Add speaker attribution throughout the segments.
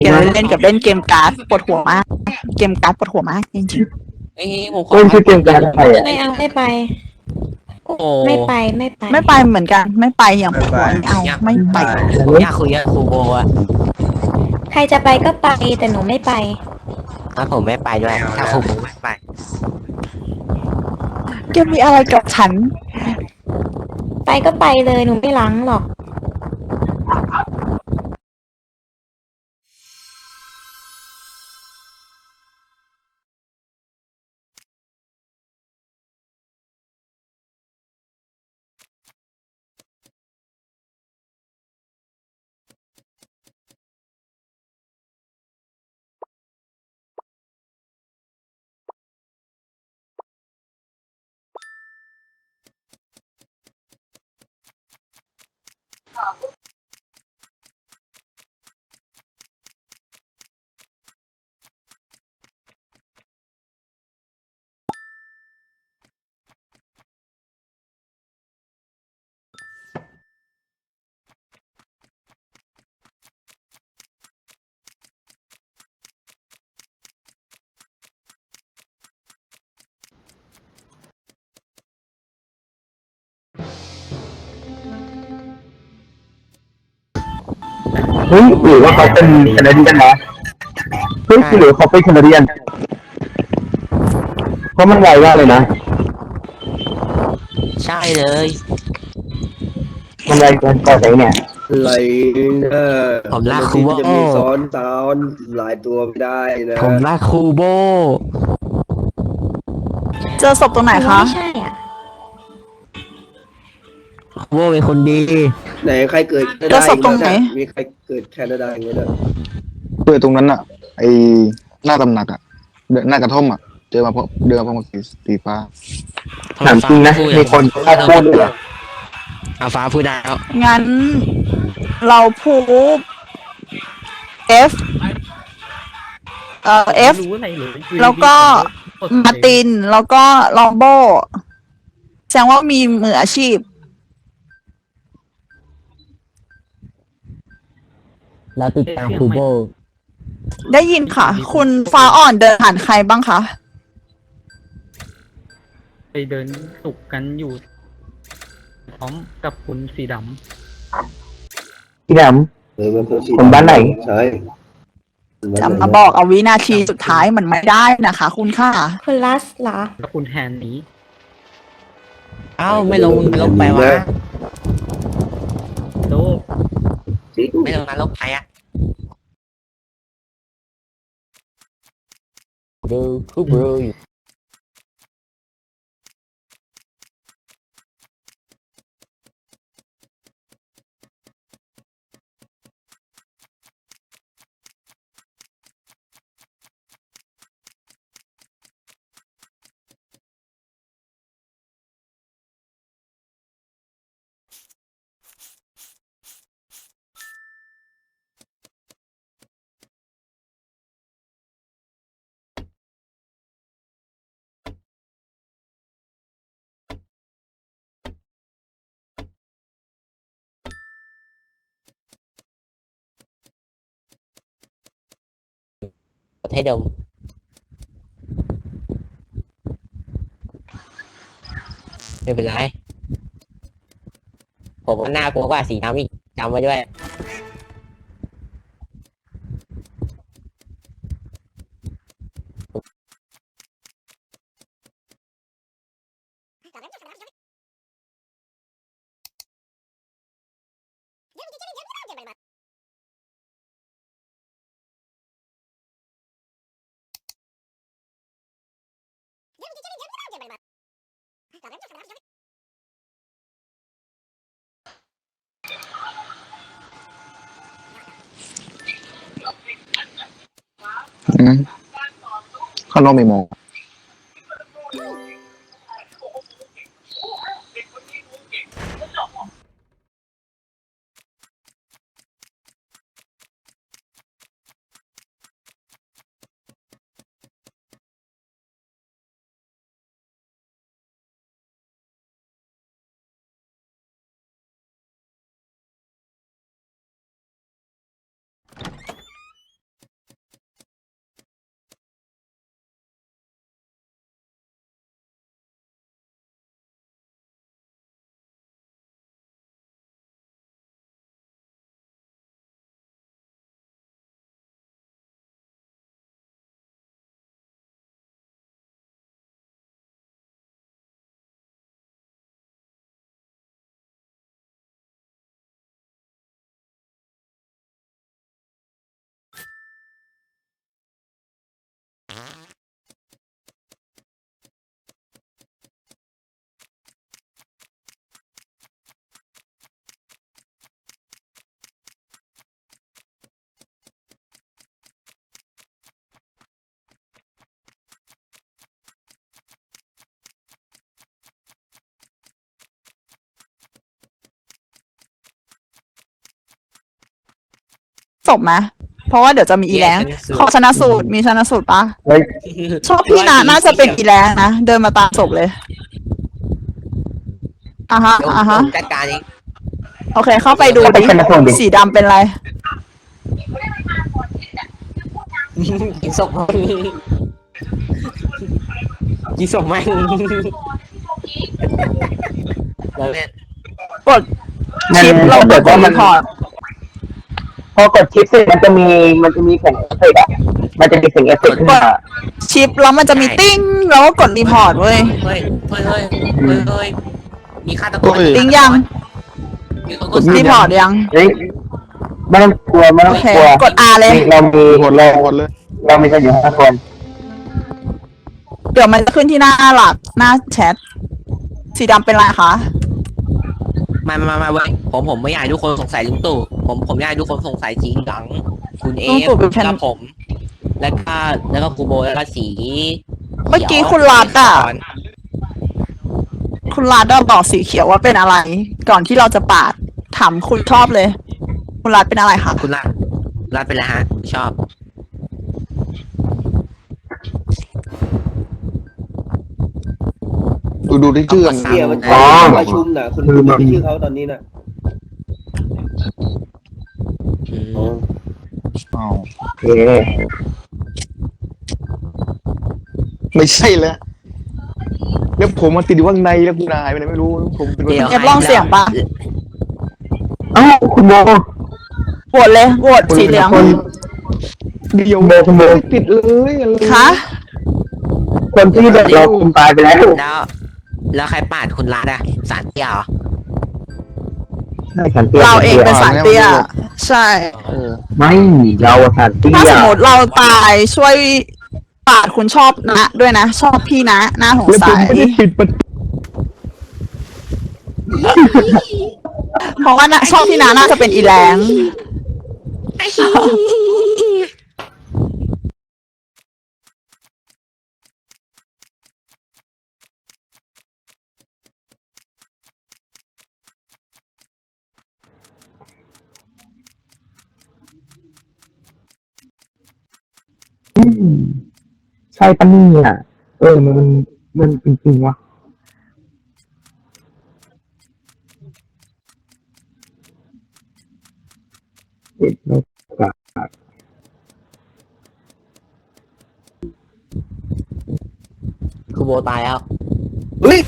Speaker 1: เกมเล่นกับเล่นเกมการ์ดปวดหัวมากเกมการ์ดปวดหัวมากจริง
Speaker 2: เอ้ยผมขอ
Speaker 3: เล่นชื่อเกมการอะไรอ่ะ
Speaker 4: ไม่เอาไม่ไป
Speaker 2: โอ้
Speaker 4: ไม่ไปไม่ไป
Speaker 1: ๆไม่ไปเหมือนกันไม่ไปอย่างปวดหัวไม่เอาไม่ไป
Speaker 2: ผมอยากคุยกับครูโบอะ
Speaker 4: ใครจะไปก็ไปแต่หนูไม่ไป
Speaker 2: ถ้าผมไม่ไปด้วยถ้าครูโบไม่ไป
Speaker 1: แกมีอะไรกับฉัน
Speaker 4: ไปก็ไปเลยหนูไม่ล้างหรอก
Speaker 3: เฮ้ยหรือว่าเขาเป็นแคนาเดียนนะเฮ้ยหรือเขาเป็นแคนาเดียนเพราะมันไวมากเลยนะ
Speaker 2: ใช่เลย
Speaker 3: มันไวเกินกว่าไหนเนี่ย
Speaker 5: ไหลนะ
Speaker 2: ผมรักครูโบ
Speaker 5: จะมีซ้อนหลายตัวไม่ได้นะ
Speaker 2: ผมรักครูโบ
Speaker 1: เจอศพตรงไหนคะ
Speaker 4: ไม่ใช่อ่ะ
Speaker 2: ครูโบเป็นคนดี
Speaker 5: ไหนใครเกิดแคนา
Speaker 1: จะ
Speaker 5: ดา
Speaker 1: ศพตรงไหน
Speaker 5: มีใครเกิดแคนาดาอย่างเงี้ยด้วย
Speaker 6: เจอตรงนั้นอะไอหน้าตำหนักอะหน้ากระท่อมอะเจอมาเพราะเดินมาเพราะมันสีฟ้า
Speaker 3: ถามจริงนะมีคนกล้าพูดด้วยเหรอ
Speaker 2: อาฟ้าพูดได้แล้ว
Speaker 1: งั้นเราพูด F F
Speaker 7: รู้อะไรเลย
Speaker 1: แล้วก็มาร์ตินแล้วก็ลองโบแสดงว่ามีมืออาชีพ
Speaker 2: แล้วติดตามครูโบ
Speaker 1: ได้ยินค่ะ คุณฟ้าอ่อนเดินผ่านใครบ้างคะ
Speaker 7: ไปเดินสุกกันอยู่ พร้อมกับคุณสีด
Speaker 3: พี่ด
Speaker 5: มันคือสี
Speaker 3: คนบ้านไหน
Speaker 5: ใช่
Speaker 1: จะมาบอกเอาวินาทีสุดท้ายมันไม่ได้นะคะ คุณค่ะ
Speaker 4: คุณลัสเหรอ
Speaker 7: ำแล้วคุณแฮนนี้
Speaker 2: เอ้าไม่ลงไปวะ
Speaker 7: โด
Speaker 2: ไม่ลงนรกไปอะดูครูโบอยู่ประเทศเดิมไม่เป็นไรผมว่าน่ากลัวกว่าสีน้ำอีกจำไว้ด้วย
Speaker 6: ข้างนอกไม่มอง
Speaker 1: ศพไหมเพราะว่าเดี๋ยวจะมีอีแรงขอชนะสูตรมีชนะสูตรปะ
Speaker 3: เฮ้ย
Speaker 1: ชอบพี่นะน่าจะเป็นอีแรงนะเดินมาตามศพเลยอ่ะฮะ
Speaker 2: เดี๋ยว
Speaker 1: อ่ะฮะ
Speaker 2: ผมจัดการเอง
Speaker 1: โอเคเข้าไปดู
Speaker 3: เข้าไป
Speaker 1: ดิ
Speaker 3: ชนะสูตรดิ
Speaker 1: สีดำเป็นไร
Speaker 2: กินศพกินศพไหมแล้วเนี่ย
Speaker 1: กดชิปเรากดรีพอร์ต
Speaker 3: พอกดชิปเสร็จมันจะมีเสียงเอฟเฟกต์อ่ะมันจะมีเสียงเอฟเฟกต์ขึ้นมา
Speaker 1: ชิปแล้วมันจะมีติ้งแล้วก็กดรีพอร์ตเว้ย
Speaker 2: เฮ้ยมีฆาตกร
Speaker 1: ติ้งยัง
Speaker 2: มีคนกด
Speaker 1: รีพอร์ตยัง
Speaker 3: เฮ้ยไม่ต้องกลัวไม่
Speaker 1: โอ
Speaker 3: ต้อง
Speaker 1: เค
Speaker 3: กลัว
Speaker 1: กด R เลย
Speaker 3: เรามี
Speaker 6: หมดเลยหมดเลย
Speaker 3: เรามีกันอยู่5 คน
Speaker 1: เดี๋ยวมันจะขึ้นที่หน้าหลักหน้าแชทสีดำเป็นไรคะ
Speaker 2: มาเว้ยผมไม่อยากให้ทุกคนสงสัยลุงตู่ผมอยากให้ทุกคนสงสัยสีเหลืองคุณเอฟกับผม แล้วก็ครูโบแล้วก็สี
Speaker 1: เมื่อกี้คุณรัดอะคุณรัดอะบอกสีเขียวว่าเป็นอะไร ก่อนที่เราจะปาดถามคุณชอบเลย คุณรัดเป็นอะไรคะ
Speaker 2: คุณรัดไปแล้วฮะ ชอบ
Speaker 6: ดูที่ชื่อกัน
Speaker 5: เสียมัน
Speaker 3: อ๋อ
Speaker 5: ประชุมน่ะคุณมีชื่อเขาตอนนี้น่ะอ๋อ
Speaker 6: อ้าว
Speaker 3: โอเค
Speaker 6: ไม่ใช่แล้วแล้วผมมาติดอยู่ข้างในแล้วคุณนายไปไหนไม่รู้ผมเป็น
Speaker 2: เดี๋ยว
Speaker 1: เอฟลองเสียงปะ
Speaker 3: เอ้าคุณโม
Speaker 1: โหวตเลยโหวตสีเหลือง
Speaker 3: คน
Speaker 6: เดียว
Speaker 3: คุณโม
Speaker 6: ไม่ติดเลยอะไร
Speaker 1: คะ
Speaker 3: คนที่แบบเราคุมตายไปแล้ว
Speaker 2: แล้วใครปาดคุณรัดอะสารเตี้ยเหรอ
Speaker 3: ใช่สันเตี้ย
Speaker 1: เราเองเป็นสารเตี้ย ใช่
Speaker 3: ไม่เราอะสันเตี้
Speaker 1: ถ้าย สมมติเราตายช่วยปาดคุณชอบนะด้วยนะ ชอบพี่นะน่าสง
Speaker 6: แล้วผ
Speaker 1: สั
Speaker 6: ม
Speaker 1: ย
Speaker 6: ไม่ได้ปิดประตู
Speaker 1: เพราะว่านะชอบพี่นะน่าจะเป็นอีแรง
Speaker 3: ใช่ปะเนี่ยมันจริงๆวะเด็ดไม่กะ
Speaker 2: ครูโบตายแล้ว
Speaker 5: เฮ้ย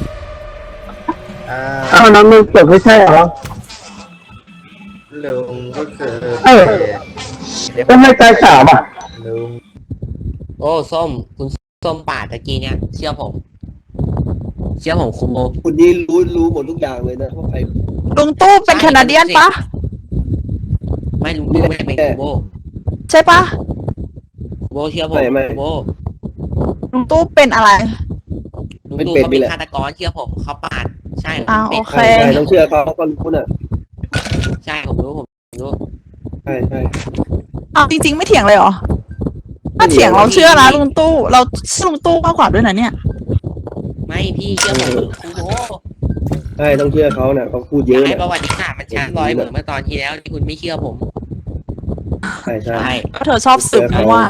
Speaker 3: อ้าวน้องมึงเกิดไม่ใช่เหรอ
Speaker 8: ลุงก็คือ
Speaker 3: เออก็ไม่ตายสามอ่ะ
Speaker 8: ลุง
Speaker 2: โอ้ส้มคุณส้มปาดตะกี้เนี่ยเชื่อผมครูโบ
Speaker 5: คุณนี่รู้หมดทุกอย่างเลยนะว่าใคร
Speaker 1: ลุงตู้เป็นแคนาเดียนปะ
Speaker 2: ไม่ลุงตู่ไม่ได้เป็นครูโบ
Speaker 1: ใช่ปะ
Speaker 2: ครูโบเชื่อผมครูโบ
Speaker 1: ลุงตู้เป็นอะไร
Speaker 2: ลุงตู่เขาเป็นฆาตกรเชื่อผมเขาปาดใช่
Speaker 1: อ้าว
Speaker 2: เป็
Speaker 1: โอน เค
Speaker 5: ใช่ต้องเชื่อเขาก็รู้น่ะ
Speaker 2: ใช่ผมรู้
Speaker 5: ใช่ใช่
Speaker 1: อ้าวจริงๆไม่เถียงเลยเหรอ ถ้าเถียงเราเชื่อนะลุงตู้เราเชื่อลุงตู้มากกว่าด้วยนะเนี่ย
Speaker 2: ไม่พี่เชื่อผมครูโบ
Speaker 5: ใช่ต้องเชื่อเขาน่ะเขาพูดเยอะ
Speaker 2: ให้
Speaker 5: น่ะ
Speaker 2: ประวัติศาสตร์มันช้าร้อยเหมือนเมื่อตอนที่แล้วที่คุณไม่เชื่อผม
Speaker 5: ใช่ใช่
Speaker 2: ใช่
Speaker 1: ก็เธอชอบสืบนะว่า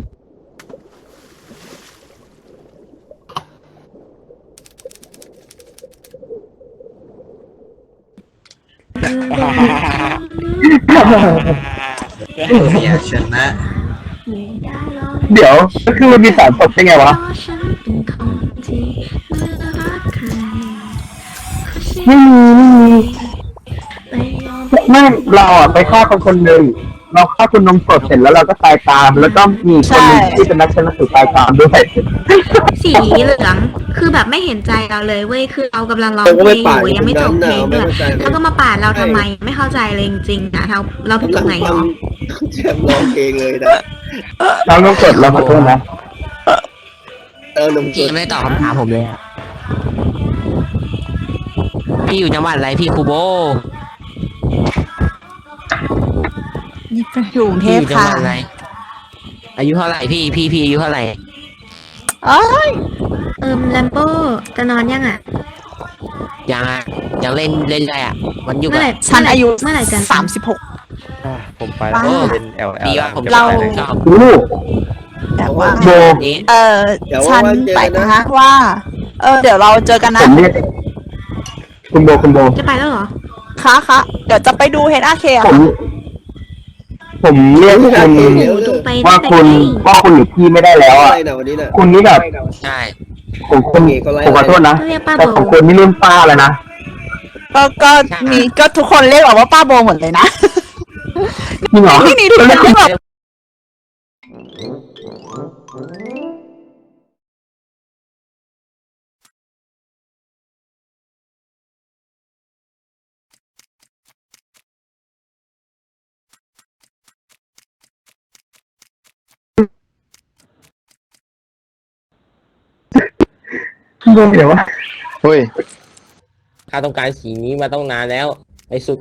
Speaker 8: อยากชนะ
Speaker 3: เดี๋ยวก็คือมันมีสารศพได้ไงวะไม่มีไม่เราอ่ะไปฆ่าคนหนึ่งเราฆ่าคุณนมสดเสร็จแล้วเราก็ตายตาม แล้วก็มีคนหนึงที่เป็นนักชนะสูตรตายตามด้วย
Speaker 4: สีเหลืองคือแบบไม่เห็นใจเราเลยเว้ยคือเรากำลังร้องเพลงอยู่ยังไม่จบเพลงด้วยแล้วก็มาปาดเราทำไมไม่เข้าใจเลยจริงๆนะเราผิดตรงไหนหรอ
Speaker 5: แชมป์ร้องเพลงเลยนะ
Speaker 3: น้องนมสดเราขอโทษนะ
Speaker 5: นมส
Speaker 2: พี่
Speaker 5: ด
Speaker 2: ยังไม่ได้ตอบคำถามผมเลยอะพี่อยู่จังหวัดอะไรพี่ครูโบ
Speaker 1: นี่ก็อยู่กรุงเท
Speaker 2: พี่อ
Speaker 1: พ
Speaker 2: ยู่จังห
Speaker 1: ค่ะ
Speaker 2: วัดอะไรอายุเท่าไหร่พี่อายุเท่าไหร่
Speaker 1: เอ้ย
Speaker 4: แลมโบ้จะนอนยังอ่ะ
Speaker 2: ยังอะยังเล่นอะไรอ่ะมันอยู่
Speaker 4: เมื่อไหร่
Speaker 2: กับ
Speaker 1: ฉันอายุ
Speaker 4: เมื่อไหร่จะ
Speaker 1: 36
Speaker 8: ผมไปแล้ว
Speaker 1: ว้าว
Speaker 8: เล่น LL
Speaker 2: ดีว่าผม
Speaker 1: เรา
Speaker 2: ชอบ
Speaker 3: อู้
Speaker 1: แต่ว่า
Speaker 3: โบ
Speaker 2: นี้
Speaker 1: ฉันไปนะว่า เดี๋ยวเราเจอกัน
Speaker 3: ผ
Speaker 1: นะ
Speaker 3: มเรียกคุณโบ
Speaker 4: จะไปแล้วเหรอ
Speaker 1: ค่ะเดี๋ยวจะไปดูเฮดอาเคอะ
Speaker 3: ผมเรียกคุณ
Speaker 4: จงไป
Speaker 3: ว่า
Speaker 4: ได้
Speaker 3: คุณ
Speaker 4: ไง
Speaker 3: ว่าคุณหรือพี่ไม่ได้แล้ว
Speaker 5: อะ
Speaker 3: อ่ะ
Speaker 5: ไรนะวันนี้น่ะ
Speaker 3: คุณนี่แบบ
Speaker 2: ใช่
Speaker 3: ผมขอโทษนะ
Speaker 4: เรียกป้า
Speaker 3: แต่
Speaker 4: โบ
Speaker 3: ของคุณนี่รุ่นป้าแล้วนะ
Speaker 1: ก็ทุกคนเรียกเราว่าป้าโบหมดเลยนะ
Speaker 3: จริงเหรอ
Speaker 1: ที่นี่ทุกคนเรียกเรา
Speaker 3: โบเดี๋ยวว่า
Speaker 6: เฮ้ย
Speaker 2: ข้าต้องการสีนี้มาต้องนานแล้วในสุด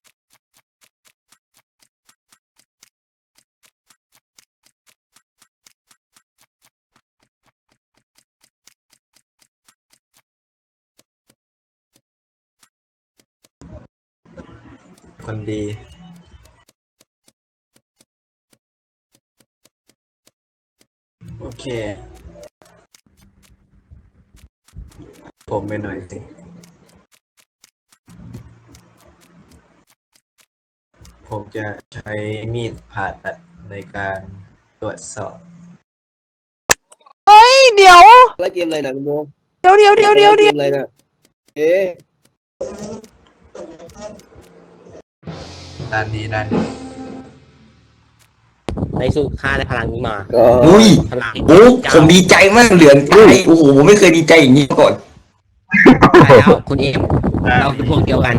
Speaker 8: คนดี โอเค ผมไปหน่อยสิ ผมจะใช้มีดผ่าตัดในการตรวจสอบ
Speaker 1: เดี๋ยว
Speaker 5: ไล่เกมอะไรนะคุณโบ
Speaker 1: เดี๋ยว
Speaker 5: เกมอะไรนะเอ๊ะ
Speaker 8: ด้านนี้
Speaker 2: ในสุดข้าได้พลังนี้มา
Speaker 5: ก็
Speaker 9: อุ้ย
Speaker 2: พลัง
Speaker 9: โอ้ผมดีใจมากเหลืองใจโอ้โหผมไม่เคยดีใจอย่างนี้มาก่อน
Speaker 2: ได้แล้วคุณเอ็มเราเป็นพวกเดียวกัน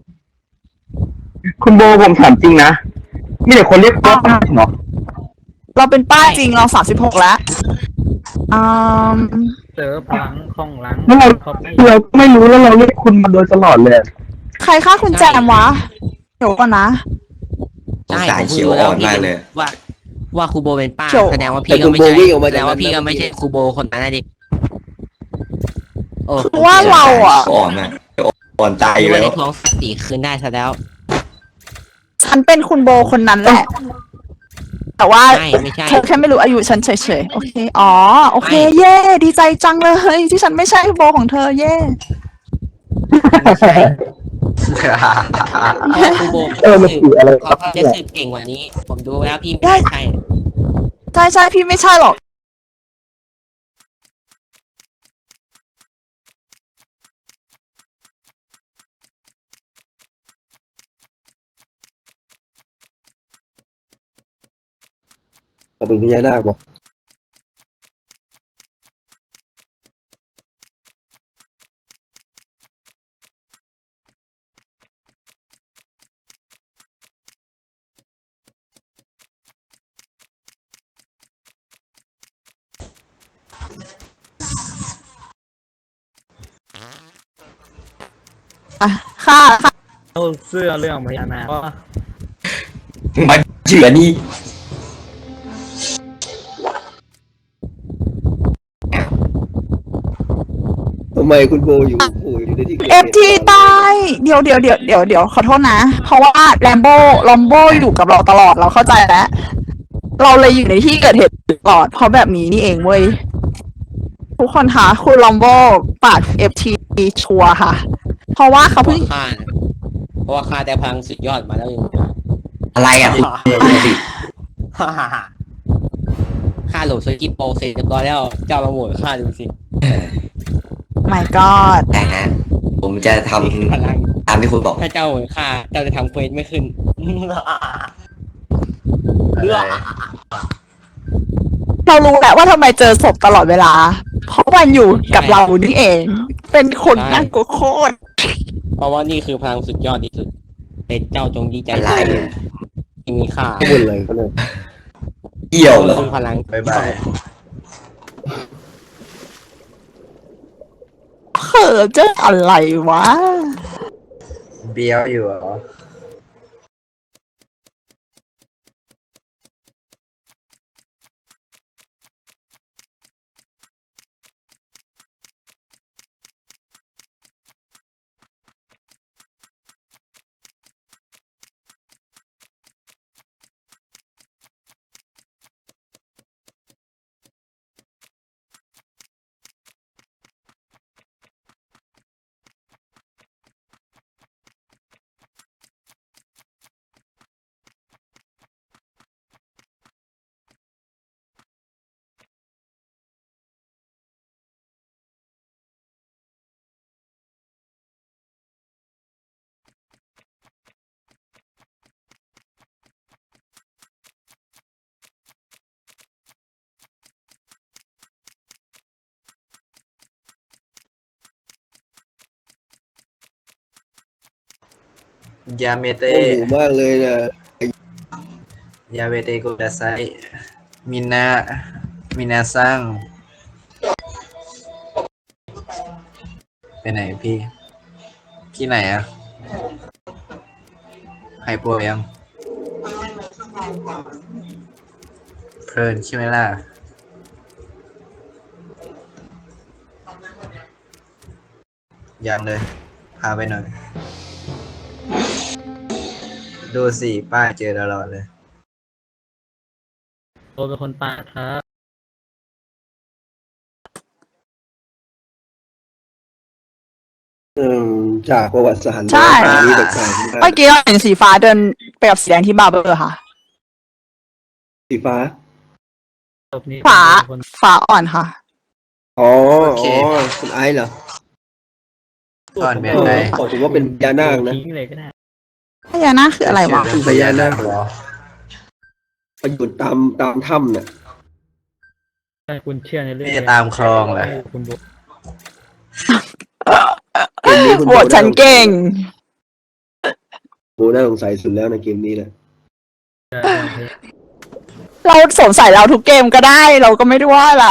Speaker 3: คุณโบผมถามจริงนะมีแต่คนเรียกป้าจริงเหรอ
Speaker 1: เราเป็นป้าจริงเรา36แล้วอืม
Speaker 7: เจอพลังของหลัง
Speaker 3: แล้วเรา
Speaker 7: เขาไม่
Speaker 3: เราก็ไม่รู้แล้วเราเรียกคุณมาโดยตลอดเลย
Speaker 1: ใครฆ่าคุณแจมวะ เดี๋ยวก่อนนะ
Speaker 2: ใช่
Speaker 9: สายเขียวอ่อนมากเลย
Speaker 2: ว่าครูโบเป็นป้า
Speaker 1: เขียว
Speaker 2: แสดงว่า
Speaker 5: แต่
Speaker 2: พี่
Speaker 5: คุ
Speaker 2: ก็
Speaker 5: ณ
Speaker 2: ไม่
Speaker 5: โบ
Speaker 2: ใช่
Speaker 5: วิ่งออกมา
Speaker 2: แสด
Speaker 5: จาก
Speaker 2: งว่า
Speaker 5: นั้น
Speaker 2: พี่ก็ไม่ใช่ครูโบคนนั้นนะดิโอ้
Speaker 1: คือว่าเราอ่ะ
Speaker 9: อ่อนนะอ่อนตายอ
Speaker 2: พี่
Speaker 9: ยู่
Speaker 2: ว่า
Speaker 9: แล้ว
Speaker 2: ได้ท้องสีคืนได้ซะแล้ว
Speaker 1: ฉันเป็นคุณโบคนนั้นแหละ แต่ว่า
Speaker 2: ไม่ใช่
Speaker 1: เธอแค่ไม่รู้อายุฉันเฉยๆ โอเค อ๋อ โอเค เย่ดีใจจังเลยที่ฉันไม่ใช่โบของเธอ เย่
Speaker 2: ไม่ใช่ครูโบ
Speaker 3: มันคืออะไร
Speaker 2: เขาจะสืบเก่งกว่านี้ ผมดูแล้วพี่ไม่ใช่
Speaker 1: ใช่พี่ไม่ใช่หรอก
Speaker 5: เราเป็นพญานาคบอก
Speaker 1: ค่ะ
Speaker 7: เอาเสื้อเรื่องพญานาคว่า
Speaker 9: มาเฉือนี่
Speaker 5: ทำไมคุณโบอยู่ในที่เกิด
Speaker 1: เอ
Speaker 5: เห
Speaker 1: ฟ
Speaker 5: ตุ
Speaker 1: ทีตาย เดี๋ยวขอโทษนะ เพราะว่าลอมโบอยู่กับเราตลอดเราเข้าใจแล้ว เราเลยอยู่ในที่เกิดเหตุตลอด เพราะแบบนี้นี่เองเว้ย ทุกคนคะคุณลอมโบปาดเอฟทีชัวร์ค่ะ เพราะว่าเขาเพิ่ง
Speaker 2: เพราะว่าข้าได้พลังสุดยอดมาแล้วยัง
Speaker 9: อะไรอ่ะคุณสิ
Speaker 2: ข้าโหลดสกิปโปรเสร็จเรียบร้อยแล้ว เจ้ามาโหวตข้าดูสิ
Speaker 1: my god
Speaker 9: แต่ฮะผมจะท
Speaker 2: พลัง
Speaker 9: ำตามที่คุณบอก
Speaker 2: ถ้าเจ้าโหวตข้าเจ้าจะทำเควสไม่ขึ้น
Speaker 1: เรารู้แหละว่าทำไมเจอศพตลอดเวลา เพราะมันอยู่กับเรานี่เอง เป็นคนน่ากลัวโคตร
Speaker 2: เพราะว่านี่คือพลังสุดยอดที่สุดเป็นเจ้าจงดีใจ
Speaker 9: อะไร
Speaker 2: ที่มีค่า
Speaker 5: ข้างบนอะไรก็เลย
Speaker 9: เกี่ยวเหรอ
Speaker 2: คือพลัง
Speaker 8: บ๊ายบาย
Speaker 1: เขินเจออะไรวะ
Speaker 8: เบี้ยวอยู่เหรอ ยาเมเต
Speaker 5: โอ้โหมากเลยนะ
Speaker 8: ยาเมเตโกดาไซมินามินาซังไปไหนพี่ไหนอะไฮโปยังเพลินใช่ไหมล่ะยังเลยพาไปหน่อย ดูสิป้าเจอตลอดเลย
Speaker 7: โดนเป็นคนปาดครับ
Speaker 5: จากประวัติศาสตร์
Speaker 1: ใช่
Speaker 5: นี้แตกต่างกัน
Speaker 1: เมื่อกี้เราเห็นสีฟ้าเดินไปกับสีแดงที่บาร์เบอร์ค่ะ
Speaker 5: สีฟ้า
Speaker 7: ศพนี้
Speaker 1: ฟ้า
Speaker 7: เป็นคน
Speaker 1: ฟ้าอ่อนค่ะ
Speaker 5: อ๋อ
Speaker 8: โอเค
Speaker 5: คุณไอซ์เหรอ
Speaker 8: ก่อนเมียนได
Speaker 5: บอกผมว่าเป็นพญานาคนะ
Speaker 7: ทิ้งเลยก็ได้
Speaker 1: พญานาคคืออะไรวะ
Speaker 5: เป็นพญานาคเหรอไปอยู่ตามถ้ำน่ะ
Speaker 7: ถ้าคุณเชื่อในเรื่อง
Speaker 8: นี่จะตามคลองเหรอ
Speaker 7: คุณบอก
Speaker 5: เกมนี้คุณ
Speaker 1: โหวตฉันเก่ง
Speaker 5: โบน่าสงสัยสุดแล้วในเกมนี้แหละ
Speaker 1: เราสงสัยเราทุกเกมก็ได้ เราก็ไม่ได้ว่าอะไร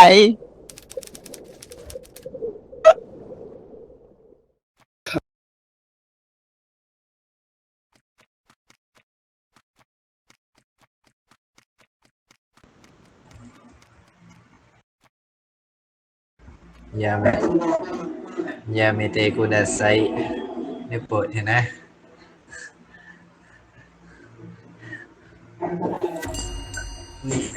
Speaker 8: ยาเมยาเมเตโกดาไซเนี่ยเปิดเห็นนะนี่แน่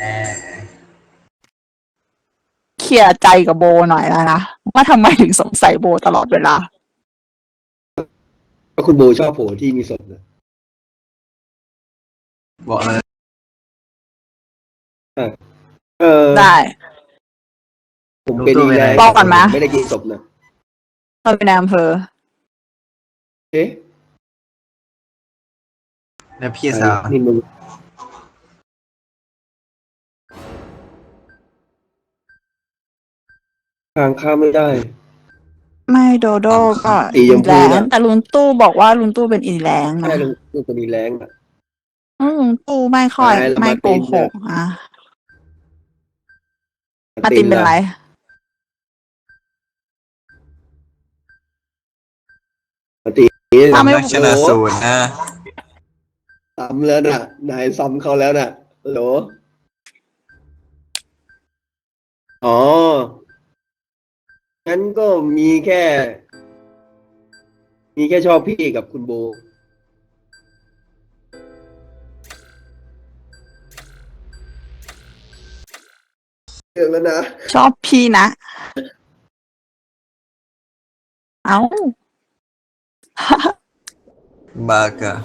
Speaker 1: เคลียร์ใจกับโบหน่อยแล้วนะว่าทำไมถึงสงสัยโบตลอดเวลา
Speaker 5: ก็คุณโบชอบโผล่ที่มีศพนะ
Speaker 8: บอกเลย
Speaker 1: ได้
Speaker 5: ผมเป็นอีแรง
Speaker 1: บอกก่อนไหม
Speaker 5: ไม่ได้กินศพนะ
Speaker 1: เราเป็นนายอำเภอ
Speaker 5: เอ๊ะ
Speaker 8: แล้วพี่สาว
Speaker 5: นี่มึงทางข้ามไม่ได้
Speaker 1: ไม่โดโดก็
Speaker 5: สีช
Speaker 1: อี
Speaker 5: มพู
Speaker 1: แลน
Speaker 5: น่ะ
Speaker 1: แต่ลุงตู้บอกว่าลุงตู้เป็นอีแลงนะ
Speaker 5: ใช่ลุงคนนี้แรงอ่ะ
Speaker 1: ลุงตู้ไม่ค่อย
Speaker 5: ใช่แล้ว
Speaker 1: ไม่โก
Speaker 5: มาร์ติน
Speaker 1: หกอ่ะมาร์ตินเป็นไร
Speaker 5: มาติน
Speaker 1: ถ้าไม่
Speaker 8: นักชนะสูตรนะ
Speaker 5: ซ้ำแล้วน่ะนายซ้ำเขาแล้วน่ะฮัลโหลอ๋องั้นก็มีแค่ ชอบพี่กับคุณโบเรื่องแล้วนะ
Speaker 1: ชอบพี่นะ เอ้า
Speaker 8: บากะ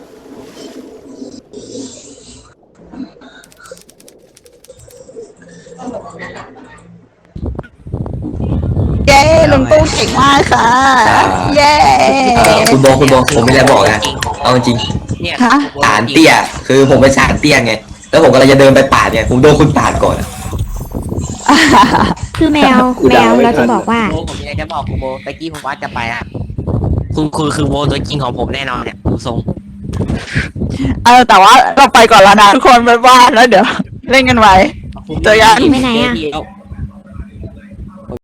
Speaker 1: เย้ลุงตู้เก่งมากค่ะ เย้
Speaker 9: คุณโบผมไม่ได้บอกนะเอาจริง
Speaker 2: เนี่ย
Speaker 1: ฮะ
Speaker 9: ฐานเตี้ย คือผมเป็นฐานเตี้ยไง แล้วผมกำลังจะเดินไปปาดเนี่ยผมโดนคุณปาดก่อนอะ
Speaker 4: คือแมวเราจะบอกว่า
Speaker 2: โบผมมีอะไรจะบอกคุณโบตะกี้ผมว่าจะไปอ่ะคุณคือโบตัวจริงของผมแน่นอนเนี่ยดูทรง
Speaker 1: แต่ว่าเราไปก่อนแล้วนะทุกคนบ๊ายบายแล้วเดี๋ยวเล่นกันไว้ เจอกัน
Speaker 4: ไปไหนอะ
Speaker 2: เดี๋ยว